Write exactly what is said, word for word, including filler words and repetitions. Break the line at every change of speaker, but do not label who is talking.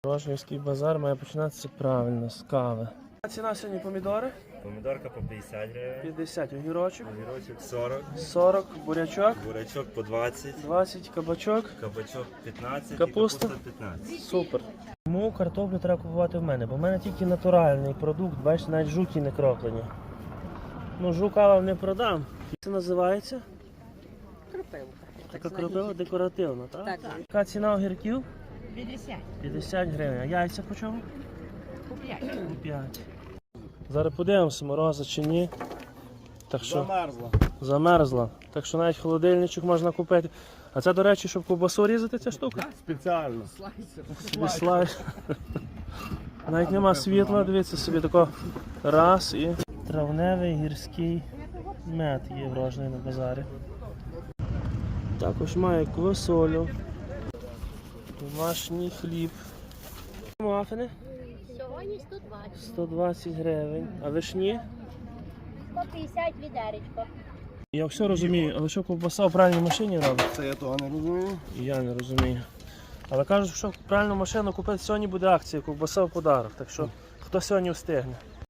Рожнівський базар має починатися правильно, з кави. А ціна сьогодні помідори?
Помідорка по п'ятдесят гривень,
п'ятдесят, огірочок,
огірочок сорок,
сорок, бурячок,
бурячок по двадцять,
двадцять, кабачок,
кабачок п'ятнадцять
Капуста?
і капуста п'ятнадцять.
супер. Тому картоплю треба купувати в мене, бо в мене тільки натуральний продукт, бачите, навіть жуки не кроплені. Ну, жука вам не продам. Як це називається?
Кропилка.
Така кропила декоративна, так?
Так.
Яка ціна огірків?
п'ятдесят.
п'ятдесят гривень. А яйця по чому?
По п'ять.
По п'ять. Зараз подивимося, мороза чи ні. Так що...
Замерзла.
Замерзла. Так що навіть холодильничок можна купити. А це, до речі, щоб ковбасу різати ця штука?
Спеціально.
Собі слайс. Навіть нема світла, дивіться собі тако раз і травневий гірський мед є врожений на базарі. Також має квасолю, домашній хліб. Мафини
Сьогодні сто двадцять.
сто двадцять гривень, а вишні?
сто п'ятдесят відеречко.
Я все розумію, але що ковбаса в пральній машині робить?
Це я того не розумію.
І я не розумію. Але кажуть, що пральну машину купити сьогодні буде акція, ковбаса в подарок. Так що хто сьогодні встигне.